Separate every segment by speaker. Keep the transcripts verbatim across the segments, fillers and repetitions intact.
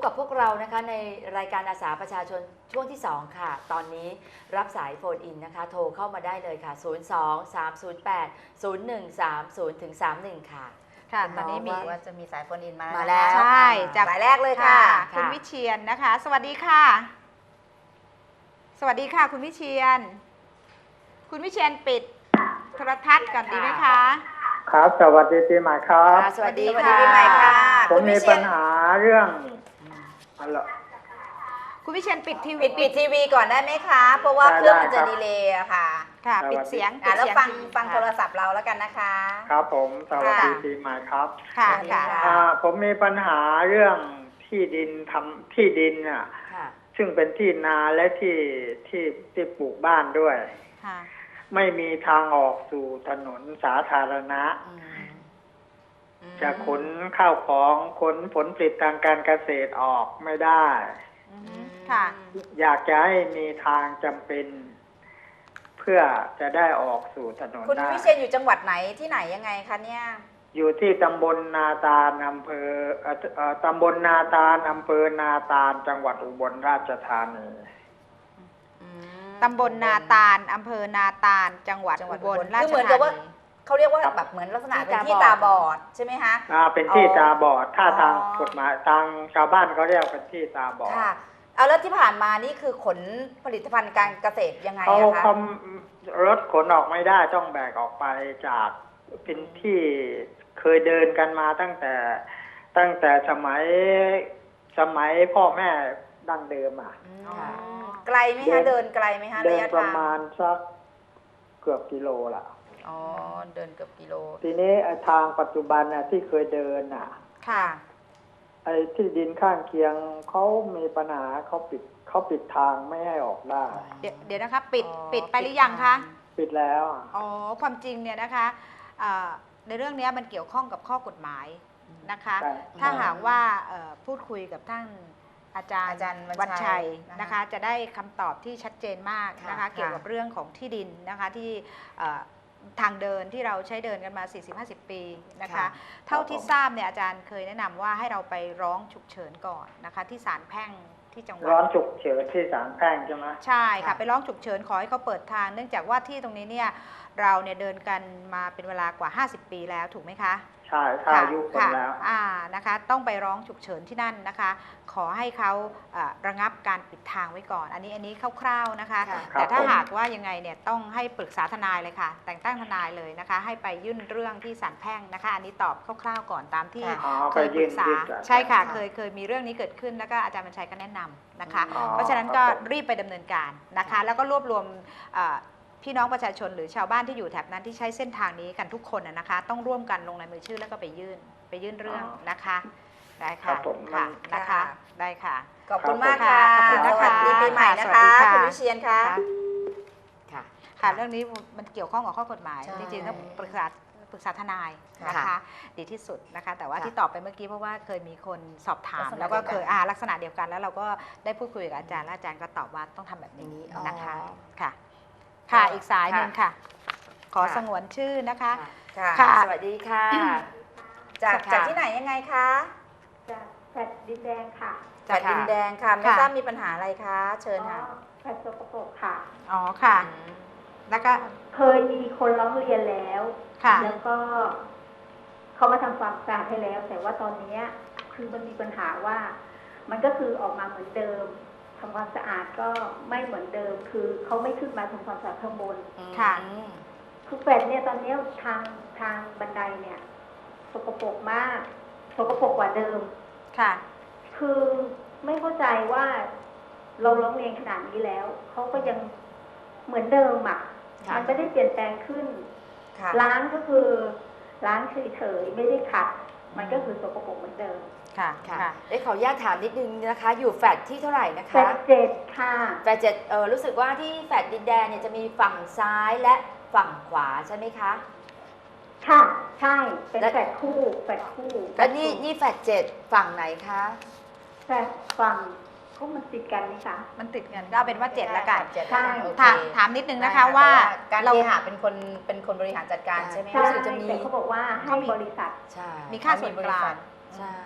Speaker 1: กับพวกเรานะคะในรายการอาสาประชาชนช่วงที่สองค่ะตอนนี้รับสายโฟนอินนะคะโทรเข้ามาได้เลยค่ะ ศูนย์ สอง สาม ศูนย์ แปด ศูนย์ หนึ่ง สาม ศูนย์ ถึง สามสิบเอ็ด ค่ะ
Speaker 2: ค่ะตอนนี้มี
Speaker 3: ว่าจะมีสายโฟนอินมา
Speaker 1: มาแล้ว
Speaker 2: ใช่จาก
Speaker 3: สายแรกเลยค่ะ
Speaker 2: คุณวิเชียนนะคะ สวัสดีค่ะ สวัสดีค่ะคุณวิเชียน คุณวิเชียนปิดโทรทัศน์ก่อนดีไหมคะ
Speaker 4: ครับสวัสดีปีใหม่ครับ
Speaker 1: สวัสดี
Speaker 3: สวัสดี
Speaker 1: ค่ะ
Speaker 3: ปีใหม่ค่ะ
Speaker 4: ผมมีปัญหาเรื่องอะไร
Speaker 2: คุณวิเชียนปิดทีวี
Speaker 3: ปิดปิดทีวีก่อนได้ไหมคะ เพราะว่า
Speaker 4: ได้
Speaker 3: เครื่องมันจะ
Speaker 4: ได้ครับ
Speaker 3: ดีเลย์อะค่ะ
Speaker 2: ค่ะ
Speaker 4: สวัสดี
Speaker 2: ปิดเสียง
Speaker 3: อ่ะแล้ว
Speaker 2: ปิด
Speaker 3: ฟัง
Speaker 2: เสีย
Speaker 3: ฟังโทรศัพท์เราแล้วกันนะคะ
Speaker 4: ครับผมสวัสดี
Speaker 3: ค่ะ
Speaker 4: ปีใหม่ครับ
Speaker 2: ค่ะ
Speaker 3: สวัสดี
Speaker 2: ค่ะ
Speaker 3: ค่ะ
Speaker 4: อ่าผมมีปัญหาเรื่องที่ดินทำที่ดินอ่ะ
Speaker 1: ค่ะ
Speaker 4: ซึ่งเป็นที่นาและที่ที่ที่ปลูกบ้านด้วย
Speaker 2: ค่ะ
Speaker 4: ไม่มีทางออกสู่ถนนสาธารณะ
Speaker 1: อืม
Speaker 4: จะขนข้าวของขนผลผลิตทางการเกษตรออกไม่ได้
Speaker 2: อืมค่ะ
Speaker 4: อยากจะให้มีทางจำเป็น เพื่อจะได้ออกสู่ถนน
Speaker 3: คุณ
Speaker 4: ได้
Speaker 3: วิเชียนอยู่จังหวัดไหนที่ไหนยังไงคะเนี่ย
Speaker 4: อยู่ที่ตำบลนาตาลอำเภอเอ่อเอ่อตำบลนาตาลอำเภอนาตาลจังหวัดอุบลราชธานี
Speaker 3: อืม
Speaker 2: ตำบลนาตาลอำเภอนาตาล จังหวัด
Speaker 3: จังหวั
Speaker 2: อุ
Speaker 3: ด
Speaker 2: บล
Speaker 3: อุบล
Speaker 2: ราช
Speaker 3: คือเหมือน
Speaker 2: ธา
Speaker 3: กับว่า
Speaker 2: นี
Speaker 3: เขาเรียกว่าแบบเหมือนลักษณะเป็นที่ตาบอดใช่ไหมคะ
Speaker 4: อ่าเป็นที่
Speaker 3: อ๋อ
Speaker 4: ตาบอด ถ้าทาง
Speaker 3: อ๋อ
Speaker 4: กฎหมายทางชาวบ้านเขาเรียกเป็นที่ตาบอด
Speaker 3: ค่ะ เอาแล้วที่ผ่านมานี่คือขนผลิตภัณฑ์การเกษตรยังไง
Speaker 4: เขา
Speaker 3: อะคะ
Speaker 4: เขารถขนออกไม่ได้ต้องแบกออกไปจากเป็นที่เคยเดินกันมาตั้งแต่ตั้งแต่สมัยสมัยพ่อแม่ดั้งเดิมอ่ะ
Speaker 3: อืม
Speaker 1: ค่ะ
Speaker 3: ไกลไหมคะเดินไกลไหมคะ
Speaker 4: เดิ
Speaker 3: ระ
Speaker 4: น
Speaker 3: ยะ
Speaker 4: ประ
Speaker 3: ทาง
Speaker 4: มาณสักเกือบกิโลละ
Speaker 3: อ๋อเดินเกือบกิโล
Speaker 4: ทีนี้ไอ้ทางปัจจุบันน่ะที่เคยเดินน่ะ
Speaker 2: ค่ะ
Speaker 4: ไอ้ที่ดินข้างเคียงเขามีปัญหาเขาปิดเขาปิดทางไม่ให้ออกได้
Speaker 2: เดี๋ยวเดี๋ยวนะคะ ปิด
Speaker 3: อ๋อ
Speaker 2: ปิดไปหรือยังคะ
Speaker 4: ปิดแล้วอ่ะ
Speaker 2: อ๋อ ความจริงเนี่ยนะคะเอ่อในเรื่องนี้มันเกี่ยวข้องกับข้อกฎหมายนะคะ
Speaker 4: ใช่
Speaker 2: ถ้าหากว่าเอ่อพูดคุยกับท่านอาจารย์
Speaker 3: อาจารย์วั
Speaker 2: วัน
Speaker 3: ญชั
Speaker 2: ชัย
Speaker 3: ย
Speaker 2: นะคะ จะได้คำตอบที่ชัดเจนมากนะคะ
Speaker 3: ค่ะ
Speaker 2: เกี่ยวกับเรื่องของที่ดินนะคะที่เอ่อทางเดินที่เราใช้เดินกันมา สี่สิบห้าสิบ ปีนะคะ
Speaker 3: ค่ะ
Speaker 2: เท่าที่ทราบเนี่ยอาจารย์เคยแนะนำว่าให้เราไปร้องฉุกเฉินก่อนนะคะที่ศาลแพ่งที่จังหวัด
Speaker 4: ร้อนฉุกเฉินที่ศาลแพ่งใช่ไหม
Speaker 2: ใช่ค่ะ
Speaker 3: ค่ะ
Speaker 2: ไปร้องฉุกเฉินขอให้เขาเปิดทาง เนื่องจากว่าที่ตรงนี้เนี่ยเราเนี่ยเดินกันมาเป็นเวลากว่า ห้าสิบ ปีแล้วถูกไหมคะ
Speaker 4: ใช่ถ้าอายุคน
Speaker 2: ค่ะ
Speaker 4: แล้ว
Speaker 2: อ่านะคะต้องไปร้องฉุกเฉินที่นั่นนะคะ ขอให้เขาเอ่อระงับการปิดทางไว้ก่อน อันนี้อันนี้คร่าวๆนะคะ
Speaker 1: ค่ะ
Speaker 2: แต่ถ้า
Speaker 4: ครับผม
Speaker 2: หากว่ายังไงเนี่ยต้องให้ปรึกษาทนายเลยค่ะ แต่งตั้งทนายเลยนะคะ ให้ไปยื่นเรื่องที่ศาลแพ่งนะคะ อันนี้ตอบคร่าวๆก่อนตามที่
Speaker 3: ค่ะ
Speaker 4: อ๋อ
Speaker 2: เค
Speaker 4: ไป
Speaker 2: ยป
Speaker 4: ยื่
Speaker 2: รึ
Speaker 4: น
Speaker 2: กษา
Speaker 4: ยื่นศาล
Speaker 2: ใช่ค่ะ
Speaker 3: ค่ะ
Speaker 2: เคยเคยมีเรื่องนี้เกิดขึ้นแล้วก็อาจารย์บรรชัยก็แนะนำนะคะ
Speaker 4: อ๋อ
Speaker 2: เพราะฉะนั้นก็
Speaker 4: ครับผม
Speaker 2: รีบไปดำเนินการนะคะ แล้วก็รวบรวมเอ่อพี่น้องประชาชนหรือชาวบ้านที่อยู่แถบนั้นที่ใช้เส้นทางนี้กันทุกคนนะนะคะ ต้องร่วมกันลงในมือชื่อแล้วก็ไปยื่นไปยื่นเรื่องนะคะได้
Speaker 4: ครั
Speaker 2: ค่ะ
Speaker 4: บผม
Speaker 2: ค่ะ
Speaker 4: มัน
Speaker 2: นะคะ
Speaker 3: ค่ะ
Speaker 2: ได้ค่ะ
Speaker 3: ขอบคุณ
Speaker 4: ครับ
Speaker 3: มากค่ะ
Speaker 2: ขอบคุณ
Speaker 3: ส
Speaker 2: นะคะ
Speaker 3: วัสดีปีใหม่นะ
Speaker 2: สวัส
Speaker 3: คะ
Speaker 2: ดีค่ะ
Speaker 3: คุณวิเชียนคะ
Speaker 1: ค่ะ
Speaker 2: ค่ะเรื่องนี้มันเกี่ยวข้องกับข้อกฎหมาย
Speaker 3: ใช่
Speaker 2: จริงๆต้องปรึกษาปรึกษาทนายนะ
Speaker 1: ค่ะ
Speaker 2: คะดีที่สุดนะคะ แต่ว่า
Speaker 1: ค่ะ
Speaker 2: ที่ตอบไปเมื่อกี้เพราะว่าเคยมีคนสอบถาม
Speaker 3: ลักษณะ
Speaker 2: แล้วก็
Speaker 3: เดียวกัน
Speaker 2: เคยอ่าลักษณะเดียวกันแล้วเราก็ได้พูดคุยกับอาจารย์และอาจารย์ก็ตอบว่าต้องทำแบบนี้
Speaker 1: อ๋อ
Speaker 2: นะคะค่ะ ค่ะอีกสายหนึ่งค่ะ ขอ
Speaker 1: ค่ะ
Speaker 2: สงวนชื่อนะคะ
Speaker 1: ค่ะ
Speaker 3: ค่ะ
Speaker 1: สวัสดีค่ะ
Speaker 3: จาก
Speaker 1: ค่ะ
Speaker 3: จากที่ไหนยังไงคะ
Speaker 5: จากแฟลตดินแดงค่ะ
Speaker 3: จากดินแดงค่ะ ไม่
Speaker 2: ค่ะ
Speaker 3: ทราบมีปัญหาอะไรคะ เชิญค่ะ
Speaker 5: อ๋อแฟลตสกปรกค่ะ
Speaker 2: อ๋อค่ะ
Speaker 3: อืม
Speaker 2: แล้วก็
Speaker 5: เคยมีคนร้องเรียนแล้ว
Speaker 2: ค่ะ
Speaker 5: แล้วก็เขามาทำความสะอาดให้แล้ว แต่ว่าตอนเนี้ยคือมันมีปัญหาว่า มันก็คือออกมาเหมือนเดิมทำความสะอาดก็ไม่เหมือนเดิม คือเขาไม่ขึ้นมาทำความสะอาดข้างบน
Speaker 2: ค่ะ
Speaker 3: อืม
Speaker 5: คือแฟลตเนี่ยตอนเนี้ยทางทางบันไดเนี่ย สกปรกมาก สกปรกกว่าเดิม
Speaker 2: ค่ะ
Speaker 5: คือไม่เข้าใจว่าเราร้องเรียนขนาดนี้แล้ว เขาก็ยังเหมือนเดิมอ่ะ
Speaker 1: ค่ะ
Speaker 5: มันไม่ได้เปลี่ยนแปลงขึ้น
Speaker 3: ค่ะ
Speaker 5: ล้างก็คือล้างเฉยๆไม่ได้ขัด มันก็คือสกปรกเหมือนเดิม
Speaker 2: ค่ะ
Speaker 1: ค่ะ
Speaker 2: ค่ะ
Speaker 1: เอ้ขออนุญาตถามนิดนึงนะคะ อยู่แฟลตที่เท่าไหร่นะ
Speaker 5: แฟล
Speaker 1: คะ
Speaker 5: ตเจ็ดค่ะ
Speaker 1: แฟลตเจ็ดเออรู้สึกว่าที่แฟลตดินแดงเนี่ยจะมีฝั่งซ้ายและฝั่งขวาใช่ไหมคะ
Speaker 5: ค่ะ ใช่ เป็น
Speaker 1: และ
Speaker 5: แฟลตคู่แฟลตคู่
Speaker 1: แล้วนี่นี่แฟลตเจ็ดฝั่งไหนคะ
Speaker 5: แฟลตฝั่งเขามันติดกันไหมคะ
Speaker 2: มันติดเงินก็เอาเป็นว่าเจ็ดละกัน
Speaker 3: เจ็ด
Speaker 5: ใช่
Speaker 3: โอเค
Speaker 2: ถามถามนิดนึงนะคะ
Speaker 3: ได้
Speaker 2: ว่า
Speaker 3: การ
Speaker 2: เรา
Speaker 3: เคหะเป็นคนเป็นคนบริหารจัดการใช่ไหม
Speaker 5: ใช่
Speaker 1: รู้สึกจะมี
Speaker 5: แต่เขาบอกว่าให้
Speaker 2: เขามี
Speaker 5: บริษัท
Speaker 1: ใช่
Speaker 2: มีค่าส่วนกลาง
Speaker 1: ใช่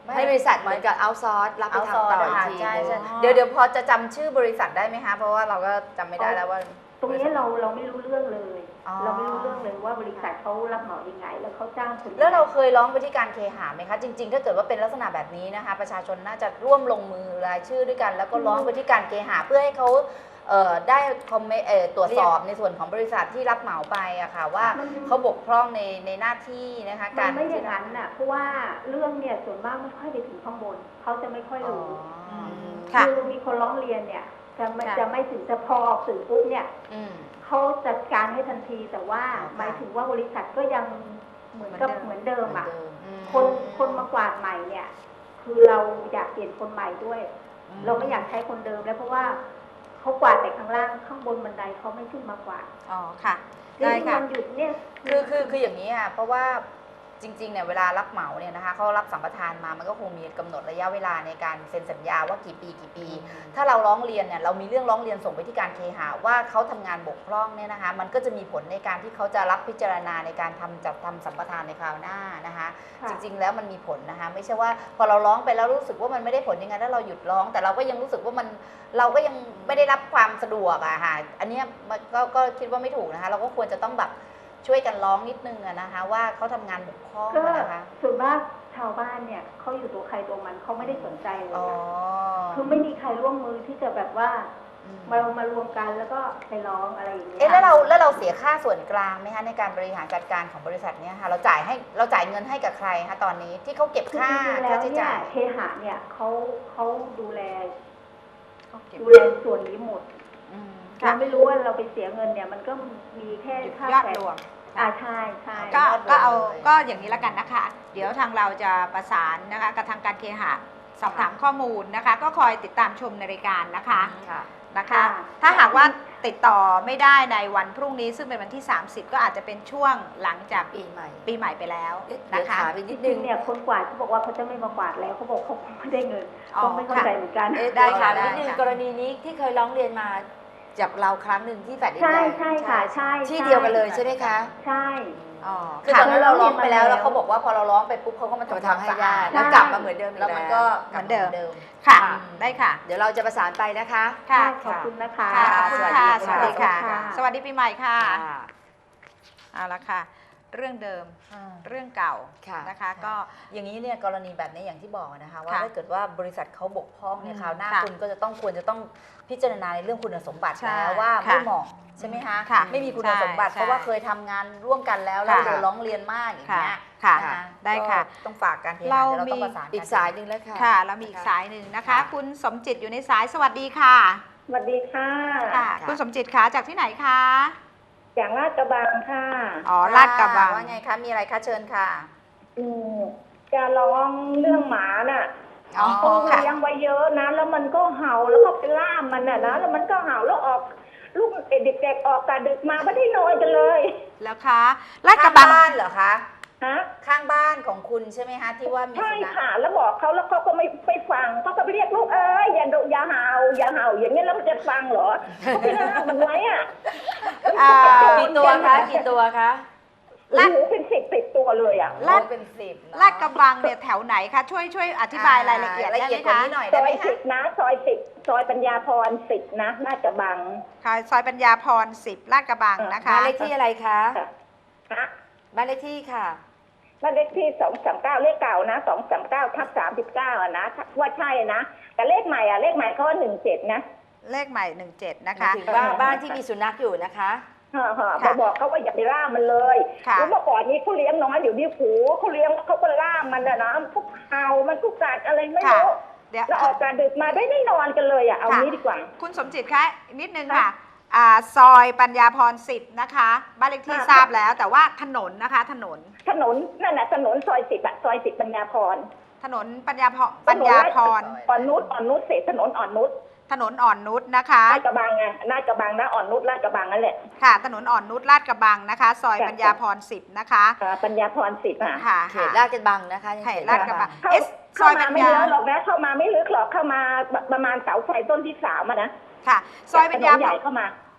Speaker 1: ให้บริษัทเหมือนกับเอาซอร์สรับไป
Speaker 3: เอาซอ
Speaker 1: ทำต่อ
Speaker 3: ร์
Speaker 1: อีก
Speaker 3: ค่ะ
Speaker 1: ที
Speaker 3: ใช่ใช่
Speaker 2: อ๋อ
Speaker 3: เดี๋ยวเดี๋ยวพอจะจำชื่อบริษัทได้ไหมคะ เพราะว่าเราก็จำไม่ได้แล้วว่า
Speaker 5: ตรงนี้เราเราไม่รู้เรื่องเลย
Speaker 3: อ๋อ
Speaker 5: เราไม่รู้เรื่องเลยว่าบริษัทเขารับเหมายังไง แล้วเขาจ้างคนยังไง
Speaker 3: แล้วเราเคยร้องไปที่การเคหะไหมคะ จริงๆ ถ้าเกิดว่าเป็นลักษณะแบบนี้นะคะ ประชาชนน่าจะร่วมลงมือรายชื่อด้วยกัน แล้วก็ร้องไปที่การเคหะเพื่อให้เขาเอ่อได้คอมเมนต์เอ่อตรวจสอบในส่วนของบริษัทที่รับเหมาไปอะค่ะว่า
Speaker 5: มัน
Speaker 3: เขาบกพร่องในในหน้าที่นะคะ
Speaker 5: มั
Speaker 3: การ
Speaker 5: นไม่อย่างนั้นน่ะเพราะว่าเรื่องเนี่ยส่วนมากไม่ค่อยไปถึงข้างบนเขาจะไม่ค่อย
Speaker 3: อ๋อ
Speaker 5: รู้
Speaker 2: อืม
Speaker 5: คื
Speaker 2: ค่ะ
Speaker 5: อมีคนร้องเรียนเนี่ยจะไม่
Speaker 2: ค่ะ
Speaker 5: จะไม่ถึงจะพอออกสื่อปุ๊บเนี่ย
Speaker 3: อืม
Speaker 5: เขาจัดการให้ทันทีแต่ว่า
Speaker 3: อ๋อค่ะ
Speaker 5: หมายถึงว่าบริษัทก็ยังเหมือนกับ
Speaker 2: เห
Speaker 5: เห
Speaker 2: มื
Speaker 5: มื
Speaker 2: อ
Speaker 5: อน น
Speaker 2: เดิ
Speaker 5: เดิ
Speaker 2: ม
Speaker 5: มอ่ะ
Speaker 3: อืม
Speaker 5: คนคนมากวาดใหม่เนี่ย คือเราอยากเปลี่ยนคนใหม่ด้วย เราไม่อยากใช้คนเดิมแล้วเพราะว่าเขากวาดแต่ข้างล่างข้างบนบันไดเขาไม่ขึ้นมากวาด
Speaker 2: อ๋อค่ะ
Speaker 5: นี่
Speaker 2: ได้
Speaker 5: ที่
Speaker 2: ค่ะ
Speaker 5: วันหยุดเนี่ย
Speaker 3: คือคือคืออย่างนี้ค่ะเพราะว่าจริงๆเนี่ยเวลารับเหมาเนี่ยนะคะเขารับสัมปทานมามันก็คงมีกำหนดระยะเวลาในการเซ็นสัญญาว่ากี่ปีกี่ปี ถ้าเราร้องเรียนเนี่ยเรามีเรื่องร้องเรียนส่งไปที่การเคหะว่าเขาทำงานบกพร่องเนี่ยนะคะมันก็จะมีผลในการที่เขาจะรับพิจารณาในการทำจัดทำสัมปทานในคราวหน้านะคะ
Speaker 5: ค่ะ
Speaker 3: จริงๆแล้วมันมีผลนะคะไม่ใช่ว่าพอเราร้องไปแล้วรู้สึกว่ามันไม่ได้ผลยังไงแล้วเราหยุดร้อง แต่เราก็ยังรู้สึกว่ามันเราก็ยังไม่ได้รับความสะดวกอะค่ะอันเนี้ยมันก็ก็คิดว่าไม่ถูกนะคะเราก็ควรจะต้องแบบช่วยกันร้องนิดนึงอะนะคะว่าเขาทำงานบกพร่อง
Speaker 5: ก็
Speaker 3: อะนะคะ
Speaker 5: ส่วนมากชาวบ้านเนี่ยเขาอยู่ตัวใครตัวมันเขาไม่ได้สนใจเลย
Speaker 3: อ๋อ
Speaker 5: อะคือไม่มีใครร่วมมือที่จะแบบว่า
Speaker 3: อืม
Speaker 5: มามารวมกันแล้วก็ไปร้องอะไรอย่างเงี้ย
Speaker 3: เอ๊ะแล้วเราแล้วเราเสียค่าส่วนกลางไหมคะในการบริหารจัดการของบริษัทเนี้ยค่ะเราจ่ายให้เราจ่ายเงินให้กับใครคะตอนนี้ที่เขาเก็บ
Speaker 5: คือ
Speaker 3: ค่า
Speaker 5: จริงๆแล้
Speaker 3: ค่าว ใช้
Speaker 5: เนี่ย
Speaker 3: จ่าย
Speaker 5: เคหะเนี่ยเขาเขาดูแล
Speaker 2: ก็เก็บ
Speaker 5: ดูแลส่วนนี้หมด
Speaker 2: อืม
Speaker 5: เรา
Speaker 2: ค่ะ
Speaker 5: ไม่รู้ว่าเราไปเสียเงินเนี่ย มันก็มีแค่ค่าย
Speaker 2: อด
Speaker 5: แฝง
Speaker 2: รวม
Speaker 5: อ่าใช่ใช่
Speaker 2: ก็
Speaker 3: ยอดรวม
Speaker 2: ก็เอา
Speaker 3: เลย
Speaker 2: ก็อย่างนี้แล้วกันนะคะ เดี๋ยวทางเราจะประสานนะคะกับทางการเคหะสอบถามข้อมูลนะคะ ก็คอยติดตามชมในรายการนะคะ
Speaker 1: ค่ะ
Speaker 2: นะคะ ถ้าหากว่าติดต่อไม่ได้ในวันพรุ่งนี้ซึ่งเป็นวันที่ สามสิบ ก็อาจจะเป็นช่วงหลังจาก
Speaker 1: ปีใหม่
Speaker 2: ปีใหม่ไปแล้ว
Speaker 1: เอ๊ะ
Speaker 2: นะ
Speaker 1: เดี๋ยว
Speaker 2: คะ
Speaker 1: ถามอีก
Speaker 5: จ
Speaker 1: นิด
Speaker 5: ริ
Speaker 1: นึ
Speaker 5: ง
Speaker 1: ง
Speaker 5: ๆเนี่ยคนกวาดเขาบอกว่าเขาจะไม่มากวาดแล้วเขาบอกเขาไม่ได้เงิน
Speaker 2: อ๋อ
Speaker 5: ก็ไม่เข้าใจเหมือนกัน
Speaker 1: เอ๊ะ
Speaker 2: ได้
Speaker 1: ได้
Speaker 2: ค่ะ
Speaker 1: ค่ะ
Speaker 2: ได้
Speaker 1: นิดนึง
Speaker 2: ค่ะ
Speaker 1: กรณีนี้ที่เคยร้องเรียนมาจากเราครั้งหนึ่งที่แฟลตดิน
Speaker 5: ใช่
Speaker 1: แดง
Speaker 5: ใช่ค่ะใช่
Speaker 1: ที่เดียวกันเลยใช่ไหมคะ
Speaker 5: ใช่
Speaker 2: อ๋อ
Speaker 3: คือต
Speaker 2: ค่ะ
Speaker 3: อนนั้นเราร้องไปแล้ว
Speaker 5: แล้
Speaker 3: แล้ว วเขาบอกว่าพอเราร้องไปปุ๊บเขาก็มา
Speaker 1: จะมา
Speaker 3: ทำ
Speaker 1: ทำให้
Speaker 3: ความสะ
Speaker 1: ได้
Speaker 3: อาด
Speaker 1: แล้วกลับมาเหมือนเดิมอีก
Speaker 3: แล้วมันก็
Speaker 2: เหมือนเดิม
Speaker 3: กลับาหมือนเดิม
Speaker 2: ค่ะ
Speaker 1: ค่ะ
Speaker 2: ได้ค่ะ
Speaker 1: เดี๋ยวเราจะประสานไปนะคะ
Speaker 2: ค่ะ
Speaker 5: ขอบคุณนะคะ
Speaker 2: ค่ะขอบคุณค่ะ
Speaker 1: ส
Speaker 2: ส
Speaker 1: วั
Speaker 2: วั
Speaker 1: ส
Speaker 2: ส
Speaker 1: ดี
Speaker 2: ดี
Speaker 1: ค่ะ
Speaker 2: ค่ะ สวัสดีปีใหม่ค่ะ
Speaker 1: ค่ะ
Speaker 2: เอาละค่ะ เรื่องเดิม
Speaker 3: อ่า
Speaker 2: เรื่องเก่า
Speaker 1: ค่ะ
Speaker 2: นะคะ ก็
Speaker 3: อย่างนี้เนี่ยกรณีแบบนี้อย่างที่บอกนะคะว่า
Speaker 2: ค่ะ
Speaker 3: ถ้าเกิดว่าบริษัทเขาบกพร่องเนี่ย
Speaker 2: อืม
Speaker 3: คราวหน้า
Speaker 2: ค่ะ
Speaker 3: คุณก็จะต้องควรจะต้องพิจารณาในเรื่องคุณสมบัติ
Speaker 2: ใช่
Speaker 3: แล้วว่า
Speaker 2: ค่ะ
Speaker 3: ไม่เหมาะใช่ไหมคะ
Speaker 2: ค่ะ
Speaker 3: ไม่มีคุณ
Speaker 2: ใช่
Speaker 3: สมบัติ
Speaker 2: ใช่
Speaker 3: เพราะว่าเคยทำงานร่วมกันแล้วแล้ว
Speaker 2: ค่ะ
Speaker 3: โดนร้องเรียนมากอย่าง
Speaker 2: ค่ะ
Speaker 3: เงี้ย
Speaker 2: ค่ะ
Speaker 3: น
Speaker 2: ได้ค่ะ
Speaker 3: ก็ต้องฝากการเทหะ
Speaker 2: เรา
Speaker 3: เดี๋ยวเราต้อง
Speaker 2: มี
Speaker 3: ประสานน
Speaker 1: อีกสายหนึ่งแล้วค่ะ
Speaker 2: ค่ะ เรามีอีกสายหนึ่งนะคะ
Speaker 1: ค่ะ
Speaker 2: คุณสมจิตอยู่ในสาย สวัสดีค่ะ
Speaker 5: สวัสดีค่ะ
Speaker 2: ค่ะ
Speaker 1: ค่ะ
Speaker 2: คุณสมจิตคะจากที่ไหนคะ
Speaker 5: อย่างลาดกระบังค่ะ
Speaker 2: อ๋อ ลาดกระบัง
Speaker 3: ว่าไงคะมีอะไรคะเชิญค่ะ
Speaker 5: อืมจะร้องเรื่องหมาน่ะ
Speaker 2: อ๋อ
Speaker 5: เขา
Speaker 2: ค่ะ
Speaker 5: เลี้ยงไว้เยอะนะ แล้วมันก็เห่าแล้วก็ไปล่ามมันน่ะนะ แล้วมันก็เห่าแล้วออก ลูกเด็กๆออกกะดึกมาไม่ได้นอนกันเลย
Speaker 2: แล้วคะ ลาดก
Speaker 3: ข้า
Speaker 2: ระ
Speaker 3: ง
Speaker 2: บัง
Speaker 3: บ้านเหรอคะ
Speaker 5: ฮะ
Speaker 3: ข้างบ้านของคุณใช่ไหมคะที่ว่ามี
Speaker 5: ใช่
Speaker 3: สุนัข
Speaker 5: ค่ะ แล้วบอกเขาแล้วเขาก็ไม่ไปฟังเขาก็ไปเรียกลูกเอ้ยอย่าดุอย่าเห่าอย่าเห่าอย่างนี้แล้วมันจะฟังเหรอเขาไปล่ามมันไว้อ่ะ
Speaker 2: อ่า
Speaker 1: กี่ตัวคะกี่ตัวคะ
Speaker 5: ลาดเป็นสิบสิบตัวเลยอ่ะ
Speaker 2: ลาด
Speaker 3: โอ้เป็นสิบเนอะ
Speaker 2: ลาดกระบังเนี่ยแถวไหนคะ ช่วยช่วยอธิบายรายละเอียด
Speaker 3: ละ
Speaker 2: ได้
Speaker 3: เอี
Speaker 2: ไห
Speaker 3: ย
Speaker 2: ม
Speaker 3: ดกว่า
Speaker 2: คะ
Speaker 3: นี้หน่อย
Speaker 5: ซ
Speaker 3: ได้
Speaker 5: อ
Speaker 3: ไหม
Speaker 5: ย
Speaker 3: คะ
Speaker 5: สิบนะซอยสิบซอยปัญญาพรสิบนะลาดกระบัง
Speaker 2: ค่ะซอยปัญญาพรสิบลาดกระบังนะคะ
Speaker 1: บ้านเลขที่อะไรคะ
Speaker 5: ฮะ
Speaker 1: บ้านเลขที่ค่ะ
Speaker 5: บ้านเลขที่สองสามเก้าเลขเก่านะสองสามเก้าทับสามสิบเก้าอ่ะนะว่าใช่นะแต่เลขใหม่อ่ะเลขใหม่เขาหนึ่งเจ็ดนะ
Speaker 2: เลขใหม่หนึ่งเจ็ดนะ
Speaker 1: หมาย
Speaker 2: คะ
Speaker 1: ถึงว่าบ้านที่มีสุนัขอยู่นะคะ
Speaker 5: ฮะฮะ
Speaker 2: ค่ะ
Speaker 5: มาบอกเขาว่าอย่าไปล่ามันเลย
Speaker 2: ค่ะ
Speaker 5: แล้วเมื่อก่อนนี้เขาเลี้ยงน้อยเดี๋ยวนี้ผูเขาเลี้ยงเขาก็ล่ามันอะนะทุกเห่ามันทุกกัดอะไรไม่
Speaker 2: ค่ะ
Speaker 5: รู้
Speaker 2: เดี๋ยว
Speaker 5: แล้วออกการดึกมาได้ไม่นอนกันเลยอ่ะเอา
Speaker 2: ค่ะ
Speaker 5: งี้ดีกว่า
Speaker 2: คุณสมจิตคะนิดนึงค่ะอ่าซอยปัญญาพรสิบนะคะบ้านเลขที่
Speaker 5: ค่ะ
Speaker 2: ทราบแล้ว แต่ว่าถนนนะคะ ถนน
Speaker 5: ถนนนั่นน่ะถนนซอยสิบอะซอยสิบปัญญาพร
Speaker 2: ถนนปัญญาพรปัญญาพร
Speaker 5: อ่อนนุชอ่อนนุชเศษถนนอ่อนนุช
Speaker 2: ถนนอ่อนนุชนะคะ
Speaker 5: ลาดกระบังไงลาดกระบังนะอ่อนนุชลาดกระบังนั่นแหละ
Speaker 2: ค่ะ ถนนอ่อนนุชลาดกระบังนะคะ ซอย
Speaker 5: ค่ะ
Speaker 2: ปัญญาพรสิบนะคะ
Speaker 5: อ่าปัญญาพรสิบอ่ะ
Speaker 2: ค่ะ
Speaker 1: เขตลาดกระบังนะคะยัง
Speaker 2: เข
Speaker 1: เข
Speaker 2: ต
Speaker 1: ต
Speaker 2: ลา
Speaker 1: ลา
Speaker 2: ด
Speaker 1: ด
Speaker 2: ก
Speaker 1: ก
Speaker 2: ระ
Speaker 1: ระ
Speaker 2: บั
Speaker 1: บั
Speaker 2: ง
Speaker 1: ง
Speaker 5: เข้า
Speaker 2: เอสซ
Speaker 5: เข้า
Speaker 2: อย
Speaker 5: มา
Speaker 2: ปัญ
Speaker 5: ไม่
Speaker 2: ญา
Speaker 5: เยอะหรอกนะเข้ามาไม่ลึกหรอกเข้ามาประมาณเสาไฟต้นที่สามอะนะ
Speaker 2: ค่ะ ซอยปัญญา
Speaker 5: ถนนใหญ่เข้ามา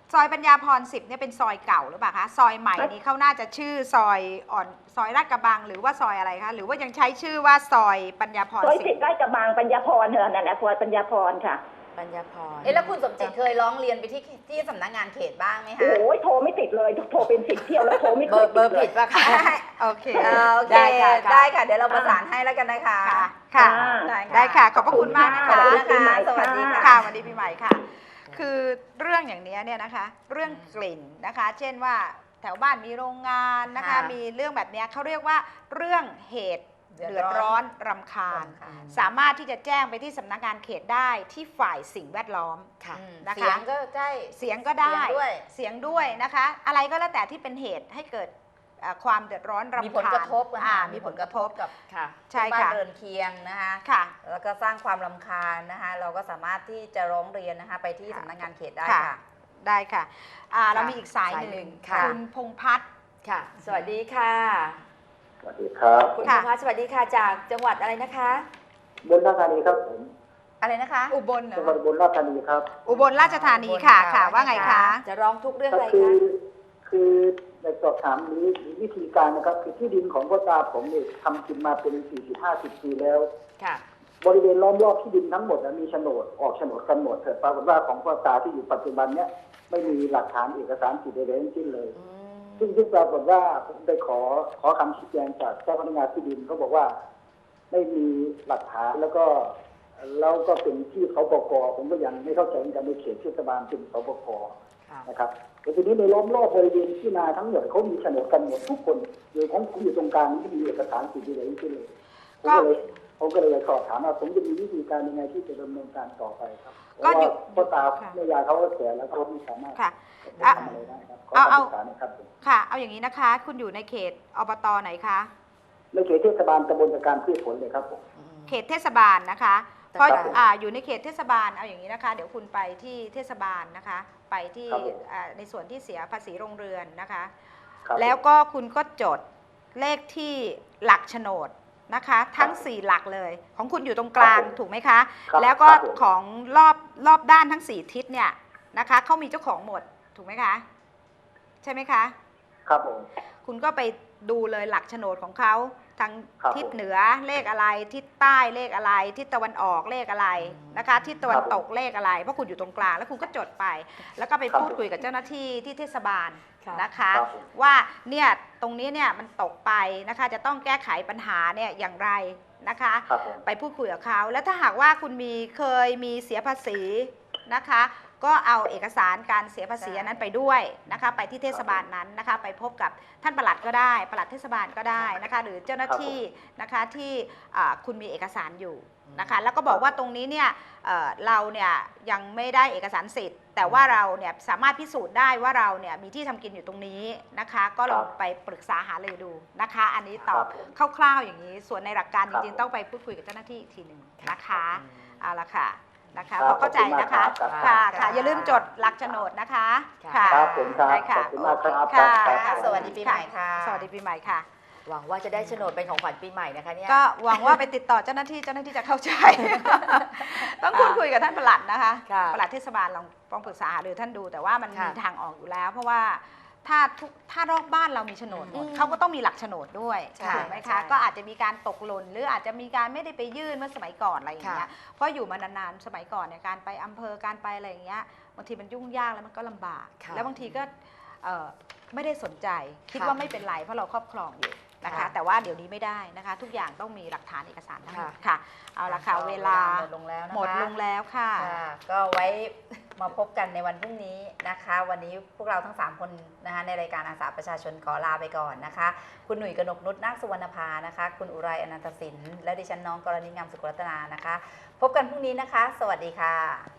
Speaker 2: ซอยปัญญาพรสิบเนี่ยเป็นซอยเก่าหรือเปล่าคะซอยใหม่นี้เขาน่าจะชื่อซอยอ่อนซอยลาดกระบังหรือว่าซอยอะไรคะหรือว่ายังใช้ชื่อว่าซอยปัญญาพร
Speaker 6: ซอย
Speaker 2: สิ
Speaker 6: สิ
Speaker 2: บบ
Speaker 6: ใกล้กระบังปัญญาพรเถอะนั่นแหละซอยปัญญาพรค่ะ
Speaker 1: ปัญญาพร
Speaker 3: เอ๊ะแล้วคุณสมจิตเคยร้องเรียนไปที่ที่สำนักงานเขตบ้างไหม
Speaker 6: โอ้
Speaker 3: คะ
Speaker 6: โหโทรไม่ติดเลยโทรเป็นสิบเที่ยวแล้วโทรไม่
Speaker 1: เบ
Speaker 6: เค
Speaker 1: อย ร์เบ
Speaker 6: ติ
Speaker 1: อ
Speaker 6: ด
Speaker 1: ร์
Speaker 6: เล
Speaker 1: ผิ
Speaker 6: ย
Speaker 1: ดป่ะคะ
Speaker 2: โอเค
Speaker 3: เออโอเค
Speaker 1: ได้ค่ะค่ะ
Speaker 3: ได้ค่ะเดี๋ยวเราประสานให้แล้วกันนะคะ
Speaker 2: ค่ะค่ะ
Speaker 3: ได้
Speaker 2: ได้ค่ะ ขอบพระคุณมากนะ
Speaker 3: ขอบ
Speaker 2: คะ
Speaker 3: คุณนะคะสวัสดีค่ะ
Speaker 2: ค่ะวันนี้ปีใหม่ค่ะ คือเรื่องอย่างนี้เนี่ยนะคะ เรื่องกลิ่นนะคะ เช่นว่าแถวบ้านมีโรงงานนะคะ
Speaker 3: ค่ะ
Speaker 2: มีเรื่องแบบเนี้ยเขาเรียกว่าเรื่องเหตุ
Speaker 3: เดื
Speaker 2: เดื
Speaker 3: อ
Speaker 2: อ
Speaker 3: ด
Speaker 2: ด
Speaker 3: ร้
Speaker 2: ร้
Speaker 3: อ
Speaker 2: อน นรำคาญ
Speaker 3: รำคาญ
Speaker 2: สามารถที่จะแจ้งไปที่สำนักงานเขตได้ที่ฝ่ายสิ่งแวดล้อม
Speaker 1: ค่ะ
Speaker 3: อืม
Speaker 2: นะคะ
Speaker 3: เสียงก็ใช่
Speaker 2: เสียงก็ได้
Speaker 3: เสียงด้วย
Speaker 2: เสียงด้วยนะคะ อะไรก็แล้วแต่ที่เป็นเหตุให้เกิดเอ่อความเดือดร้อนรำคาญ
Speaker 3: มีผลกระทบ
Speaker 2: อ่า
Speaker 3: อ่า
Speaker 2: มีผลกระทบ
Speaker 3: กับ
Speaker 1: ค่ะ
Speaker 2: ใช่
Speaker 3: บ้าน
Speaker 2: ค่ะ
Speaker 3: เรือนเคียงนะคะ
Speaker 2: ค่ะ
Speaker 3: แล้วก็สร้างความรำคาญนะคะ เราก็สามารถที่จะร้องเรียนนะคะ ไปที่
Speaker 2: ค่ะ
Speaker 3: สำนักงานเขตได้
Speaker 2: ค่ะ
Speaker 3: ค่ะ
Speaker 2: ได้ค่ะอ่าเรา
Speaker 3: ค่ะ
Speaker 2: มีอีกสาย
Speaker 1: สาย
Speaker 2: ห
Speaker 1: หนึ่
Speaker 2: นึ่ง
Speaker 1: งค่ะ
Speaker 2: คุณพงษ์พัฒน์
Speaker 1: ค่ะ สวัสดีค่ะ
Speaker 7: สวัสดีครับ
Speaker 1: คุณ
Speaker 2: ค่ะ
Speaker 1: พงษ์พัฒน์สวัสดีค่ะจากจังหวัดอะไรนะคะ
Speaker 7: บนราชธานีครับผม
Speaker 3: อะไรนะคะ
Speaker 2: อุบลเหรอ
Speaker 7: จังหวัดบนราชธานีครับ
Speaker 2: อุบลราชธานีค่ะ
Speaker 3: อุบลค่ะ
Speaker 2: ค่ะ ว่าไงคะ
Speaker 1: จะร้องทุกข์เรื่อง
Speaker 7: ก็
Speaker 1: อะไร
Speaker 7: คื
Speaker 1: คะ
Speaker 7: อคือในสอบถามนี้มีวิธีการนะครับคือที่ดินของพ่อตาผมเนี่ยทำกินมาเป็นสี่สิบห้าสิบปีแล้ว
Speaker 1: ค่ะ
Speaker 7: บริเวณล้อมรอบที่ดินทั้งหมดนะมีโฉนดออกโฉนดกันหมดแต่ปรากฏว่าของพ่อตาที่อยู่ปัจจุบันเนี้ยไม่มีหลักฐานเอกสารสิทธิ์ใดๆทั้งสิ้นเลย
Speaker 1: อืม
Speaker 7: ซึ่งที่ปรากฏว่าผมได้ขอขอคำชี้แจงจากเจ้าพนักงานที่ดินเขาบอกว่าไม่มีหลักฐานแล้วก็แล้วก็เป็นที่สปกผมก็ยังไม่เข้าใจเหมือนกันในเขตเทศบาลเป็นสปก
Speaker 1: ค่ะ
Speaker 7: นะครับแต่ทีนี้ในล้อมรอบบริเวณที่นาทั้งหมดเขามีโฉนดกันหมดทุกคนโดยของผมอยู่ตรงกลางไม่มีเอกสารสิทธิ์ใดๆทั้งสิ้นเลยผมก็เลยผมก็เลยสอบถามว่าผมจะมีวิธีการยังไงที่จะดำเนินการต่อไปครับเพราะ
Speaker 2: ก็
Speaker 7: ว่า
Speaker 2: อยู่
Speaker 7: พ่อตา
Speaker 2: ค่ะ
Speaker 7: แม่ยายเขาก็แก่แล้วเขาไม่สามารถ
Speaker 2: ค่ะ
Speaker 7: จะทำอะไรได้ครับขอ
Speaker 2: เอาเอา
Speaker 7: คำปรึกษาหนะครับผม
Speaker 2: ค่ะ เอาอย่างนี้นะคะ คุณอยู่ในเขตอบตไหนคะ
Speaker 7: ในเขตเทศบาลตำบลตะการพืชผลเลยครับผม
Speaker 1: อืม
Speaker 2: เขตเทศบาลนะคะ
Speaker 1: แต่
Speaker 2: เพราะ
Speaker 1: ครับผม
Speaker 2: อ่าอยู่ในเขตเทศบาล เอาอย่างนี้นะคะ เดี๋ยวคุณไปที่เทศบาลนะคะ ไปที่
Speaker 7: ครับผม
Speaker 2: อ่าในส่วนที่เสียภาษีโรงเรือนนะคะ
Speaker 7: ครับ
Speaker 2: แล้วก็คุณก็จดเลขที่หลักโฉนดนะคะ ทั้ง
Speaker 7: ครับ
Speaker 2: สี่หลักเลย ของคุณอยู่ตรงกลาง
Speaker 7: ครับผม
Speaker 2: ถูกไหมคะ
Speaker 7: ครับ
Speaker 2: แล้วก็
Speaker 7: ครับผม
Speaker 2: ของรอบรอบด้านทั้งสี่ทิศเนี่ยนะคะเขามีเจ้าของหมดถูกไหมคะ ใช่ไหมคะ
Speaker 7: ครับผม
Speaker 2: คุณก็ไปดูเลยหลักโฉนดของเขาทาง
Speaker 7: ครับ
Speaker 2: ทิศ
Speaker 7: ผม
Speaker 2: เหนือเลขอะไรทิศใต้เลขอะไรทิศตะวันออกเลขอะไรนะคะทิศตะวันตกเลขอะไรเพราะคุณอยู่ตรงกลางแล้วคุณก็จดไป แล้วก็ไป
Speaker 7: ครับ
Speaker 2: พูดคุยกับเจ้าหน้าที่ที่เทศบาล
Speaker 1: ค่ะ
Speaker 2: นะคะ
Speaker 7: ครับผม
Speaker 2: ว่าเนี่ยตรงนี้เนี่ยมันตกไปนะคะจะต้องแก้ไขปัญหาเนี่ยอย่างไรนะคะ
Speaker 7: ครับผม
Speaker 2: ไปพูดคุยกับเขาแล้วถ้าหากว่าคุณมีเคยมีเสียภาษีนะคะ ก็เอาเอกสารการเสียภาษีอันนั้นไปด้วยนะคะไปที่เทศบาลนั้นนะคะไปพบกับท่านปลัดก็ได้ปลัดเทศบาลก็ได้นะคะหรือเจ้าหน้าที่นะคะที่อ่าคุณมีเอกสารอยู่นะคะแล้วก็บอกว่าตรงนี้เนี่ยเอ่อเราเนี่ยยังไม่ได้เอกสารสิทธิ์ แต่ว่าเราเนี่ยสามารถพิสูจน์ได้ว่าเราเนี่ยมีที่ทำกินอยู่ตรงนี้นะคะก็ลองไปปรึกษาหารือดูนะคะ อันนี้ตอบคร่าวๆอย่างนี้ ส่วนในหลักการจริงๆต้องไปพูดคุยกับเจ้าหน้าที่อีกทีหนึ่งนะคะเอาละค่ะนะคะ
Speaker 7: ครับ
Speaker 2: พอเข้าใจนะคะ
Speaker 7: ขอบคุณมากครับ
Speaker 2: ค่ะ
Speaker 3: ครั
Speaker 2: ค่ะ
Speaker 3: บ
Speaker 2: อย่าลืมจดหลักโฉนดนะคะ
Speaker 1: ค่ะ
Speaker 7: ครับผมครับ
Speaker 2: ได้ค่ะ
Speaker 7: ขอบคุณมากครับ
Speaker 2: ค่ะ
Speaker 7: ครับ
Speaker 3: ค่ะสวัสดีปีใหม่ค่ะ
Speaker 2: สวัสดีปีใหม่ค่ะ
Speaker 1: หวังว่าจะได้โฉนดเป็นของขวัญปีใหม่นะคะเนี่ย
Speaker 2: ก็หวังว่าไปติดต่อเจ้าหน้าที่เจ้าหน้าที่จะเข้าใจ ต้องพูดคุยกับท่านปลัดนะคะ
Speaker 1: ค่ะ
Speaker 2: ปลัดเทศบาลลองลองปรึกษาหารือท่านดู แต่ว่ามัน
Speaker 1: ค่ะ
Speaker 2: มีทางออกอยู่แล้ว เพราะว่าถ้าทุกถ้ารอบบ้านเรามีโฉนดหมด
Speaker 1: อืม
Speaker 2: เขาก็ต้องมีหลักโฉนดด้วย
Speaker 1: ใช่
Speaker 2: ถูกไหม
Speaker 1: ใช่
Speaker 2: คะก็อาจจะมีการตกหล่นหรืออาจจะมีการไม่ได้ไปยื่นเมื่อสมัยก่อนอะไรอย่างเงี้ย
Speaker 1: ค่ะ
Speaker 2: เพราะอยู่มานานๆสมัยก่อนเนี่ยการไปอำเภอการไปอะไรอย่างเงี้ยบางทีมันยุ่งยากแล้วมันก็ลำบาก
Speaker 1: ค่ะ
Speaker 2: แล้วบางทีก็เอ่อไม่ได้สนใจคิด
Speaker 1: ค่ะ
Speaker 2: ว่าไม่เป็นไรเพราะเราครอบครองอยู่นะคะ
Speaker 1: ค่ะ
Speaker 2: แต่ว่าเดี๋ยวนี้ไม่ได้นะคะ ทุกอย่างต้องมีหลักฐานเอกสารทั้งหมด
Speaker 1: ค่ะ
Speaker 2: ค่ะ เอาละค่ะ
Speaker 3: ก็
Speaker 2: เวลา
Speaker 3: หมดลงแล้วนะคะ
Speaker 2: หมดลงแล้วค่ะ
Speaker 3: ค่ะก็ไว้มาพบกันในวันพรุ่งนี้นะคะ วันนี้พวกเราทั้งสามคนนะคะในรายการอาสาประชาชนขอลาไปก่อนนะคะ คุณหนุ่ยกนกนุชนาคสุวรรณภานะคะ คุณอุไรอนันตสินและดิฉันน้องกรณีงามสุขรัตนานะคะ พบกันพรุ่งนี้นะคะ สวัสดีค่ะ